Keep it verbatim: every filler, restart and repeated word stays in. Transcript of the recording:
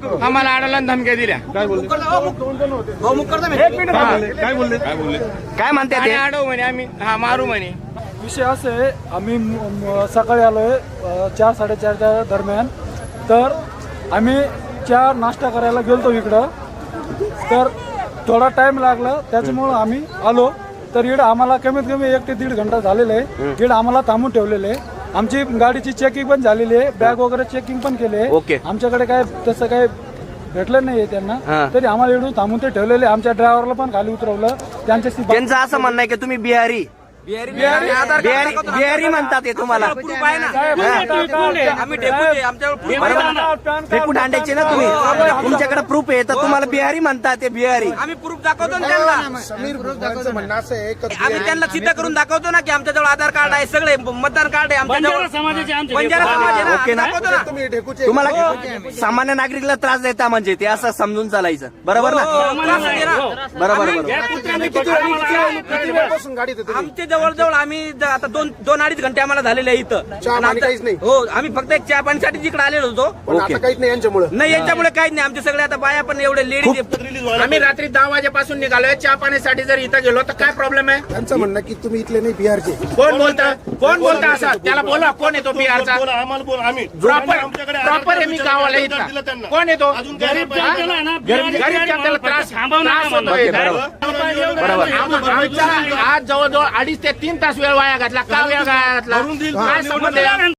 आम्हाला अडवला धमक्या दिल्या. काय बोलले एक मिनिट काय थांबा. बोलले काय बोलले काय बोलले काय म्हणतात आणि ते? अडव म्हणे आम्ही हा मारू म्हणे. विषय असं आहे, आम्ही म- म- सकाळी आलो आहे चार साडेचारच्या दरम्यान. तर आम्ही चार नाश्ता करायला गेलतो इकडं, तर थोडा टाइम लागला त्याच्यामुळं आम्ही आलो. तर इकडं आम्हाला कमीत कमी एक ते दीड घंटा झालेला आहे. इकडं आम्हाला थांबून ठेवलेलं आहे. आमची गाडीची चेकिंग पण झालेली आहे, बॅग वगैरे चेकिंग पण केली आहे. ओके. आमच्याकडे काय तसं काय भेटलं नाहीये त्यांना, हा. तरी आम्हाला इकडून थांबून ते ठेवलेले. आमच्या ड्रायव्हरला पण खाली उतरवलं. त्यांच्याशी बा- त्यांचं असं म्हणणं आहे की तुम्ही बिहारी बिहारी बिहारी म्हणतात ते तुम्हाला. फेकू दांड्याचे ना तुम्ही, तुमच्याकडे प्रूफ आहे तर तुम्हाला बिहारी म्हणतात ते बिहारी. आम्ही प्रूफ दाखवतो ना त्यांना. समीर भुजबळांचं म्हणणं असं आहे की आम्ही त्यांना सिद्ध करून दाखवतो ना की आमच्याजवळ आधार कार्ड आहे, सगळे मतदान कार्ड आहे आमच्याजवळ. बंजारा समाज आहे ना, ओके ना? आम्ही दाखवतो ना. तुम्ही ढेकूचे तुम्हाला सामान्य नागरिकला त्रास देता म्हणजे ते असं समजून चालायचं. बरोबर ना? हो, त्रास आहे ना. बरोबर बरोबर. किती वेळपासून गाडीत होते तुम्ही? आमच्या जवळजवळ आम्ही ज- आता दोन दोन अडीच घंटे आम्हाला झालेले आहे इथं. चहा आणि पाणी आता- काहीच नाही? हो, आम्ही फक्त एक चहा पाणीसाठी जिकडे आलेलो होतो. पण ओके. आता काहीच नाही यांच्यामुळे. नाही यांच्यामुळे काहीच नाही. आमचे सगळे आता बाया पण एवढे लेडीज. आम्ही रात्री दहा वाजेपासून निघालोय. चहा पाण्यासाठी जर इथं गेलो तर काय प्रॉब्लेम आहे? त्यांचं म्हणणं की तुम्ही इथले नाही बिहारचे. कोण बोलतं कोण बोलतं असं? त्याला बोला कोण येतो बिहारचा? बोला आम्हाला बोला आम्ही प्रॉपर आमच्याकडे प्रॉपर आहे. मी गावाला दिलं इथला त्यांना. कोण येतो? अजून काय गरीब नाही पाहिजे. गरीब गरीब जनतेला त्रास त्रास होतोय. बरोबर. आम- आमचा आज जवळजवळ अडीच ते तीन तास वेळ वाया घातला. का वेळ वाया घातला? भरून देईल. काय संबंध आहे?